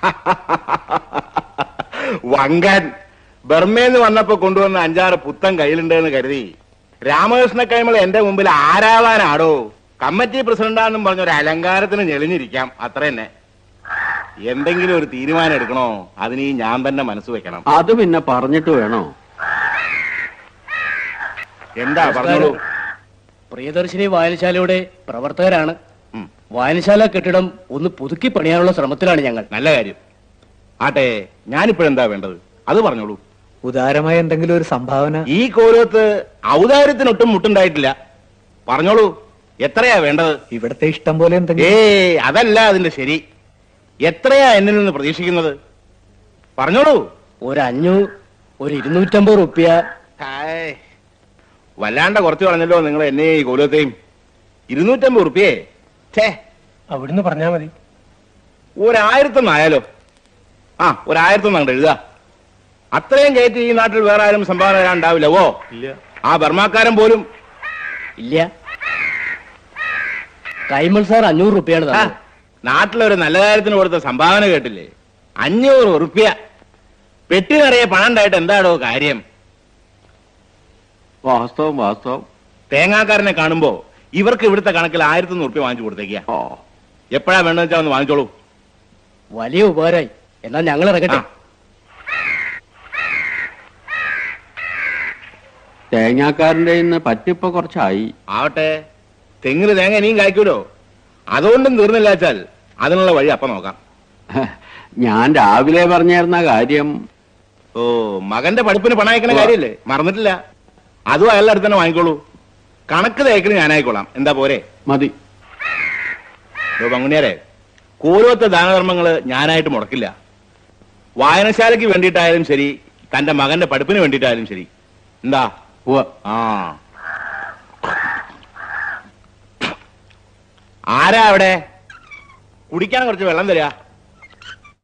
വങ്കൻ ബർമേന്ന് വന്നപ്പോ കൊണ്ടുവന്ന 5-6 പുത്തൻ കയ്യിലുണ്ടെന്ന് കരുതി രാമകൃഷ്ണ കൈമൾ എന്റെ മുമ്പിൽ ആരാവാനാടോ? കമ്മിറ്റി പ്രസിഡന്റാണെന്നും പറഞ്ഞൊരു അലങ്കാരത്തിന് ഞെളിഞ്ഞിരിക്കാം, അത്ര തന്നെ. എന്തെങ്കിലും ഒരു തീരുമാനം എടുക്കണോ, അതിന് ഞാൻ തന്നെ മനസ്സ് വെക്കണം. അത് പിന്നെ പറഞ്ഞിട്ട് വേണോ? എന്താ പറഞ്ഞോളൂ. പ്രിയദർശിനി വായനശാലയുടെ പ്രവർത്തകരാണ്. വായനശാല കെട്ടിടം ഒന്ന് പുതുക്കി പണിയാനുള്ള ശ്രമത്തിലാണ് ഞങ്ങൾ. നല്ല കാര്യം. ആട്ടെ, ഞാനിപ്പോഴെന്താ വേണ്ടത് അത് പറഞ്ഞോളൂ. ഉദാരമായ എന്തെങ്കിലും ഒരു സംഭാവന. ഈ കോലത്ത് ഔദാര്യത്തിനൊട്ടും മുട്ടുണ്ടായിട്ടില്ല. പറഞ്ഞോളൂ, എത്രയാ വേണ്ടത്? ഇവിടത്തെ ഇഷ്ടം പോലെ എന്തെങ്കിലും. അതല്ല അതിന്റെ ശരി. എത്രയാ എന്നിൽ നിന്ന് പ്രതീക്ഷിക്കുന്നത്? പറഞ്ഞോളൂ. ഒരു 500, ഒരു 250 റുപ്യ. വല്ലാണ്ട കുറച്ച് പറഞ്ഞല്ലോ നിങ്ങൾ എന്നെ ഈ കോലത്തെയും. 250 റുപ്യേ? അവിടുന്ന് പറഞ്ഞാ മതി. 1000 ആയാലോ? 1000 അങ്ങോട്ട് എഴുതാ. അത്രയും കയറ്റി ഈ നാട്ടിൽ വേറെ ആരും സംഭാവന തരാൻ ഉണ്ടാവില്ല. ഇല്ല. ആ ബർമാക്കാരൻ പോലും ഇല്ല. കൈമൾ സാർ 500 റുപ്യാണ് തന്നത്. നാട്ടിലൊരു നല്ല കാര്യത്തിന് കൊടുത്ത സംഭാവന കേട്ടില്ലേ? 500 റുപ്യ. പെട്ടി നിറയെ പണം ഉണ്ടായിട്ട് എന്താടോ കാര്യം? വാസ്തവം. തേങ്ങാക്കാരനെ കാണുമ്പോ ഇവർക്ക് ഇവിടുത്തെ കണക്കിൽ 1100 റുപ്യ വാങ്ങിച്ചു കൊടുത്തേക്കാ. എപ്പോഴാ വേണ്ടെന്ന് വെച്ചാൽ ഒന്ന് വാങ്ങിച്ചോളൂ. വലിയ ഉപകാരമായി. എന്നാൽ ഞങ്ങൾ ഇറങ്ങട്ടെ. തേങ്ങാക്കാരന്റെ ഇന്ന് പറ്റിപ്പോ കുറച്ചായി. ആവട്ടെ, തെങ്ങിന് തേങ്ങ ഇനിയും കായ്ക്കൂലോ. അതുകൊണ്ടും തീർന്നില്ല വെച്ചാൽ അതിനുള്ള വഴി അപ്പം നോക്കാം. ഞാൻ രാവിലെ പറഞ്ഞിരുന്ന കാര്യം. മകന്റെ പഠിപ്പിന് പണം അയക്കണ കാര്യല്ലേ, മറന്നിട്ടില്ല. അതും അയാളുടെ അടുത്ത് തന്നെ വാങ്ങിക്കോളൂ. കണക്ക് തേക്കിന് ഞാനായിക്കോളാം. എന്താ പോരെ? മതി. പങ്കുണിയാരെ, കോലത്തെ ദാനധർമ്മങ്ങള് ഞാനായിട്ട് മുടക്കില്ല. വായനശാലയ്ക്ക് വേണ്ടിയിട്ടായാലും ശരി, തന്റെ മകന്റെ പഠിപ്പിന് വേണ്ടിയിട്ടായാലും ശരി. എന്താ? ആരാ അവിടെ? കുടിക്കാൻ കുറച്ച് വെള്ളം തരാ.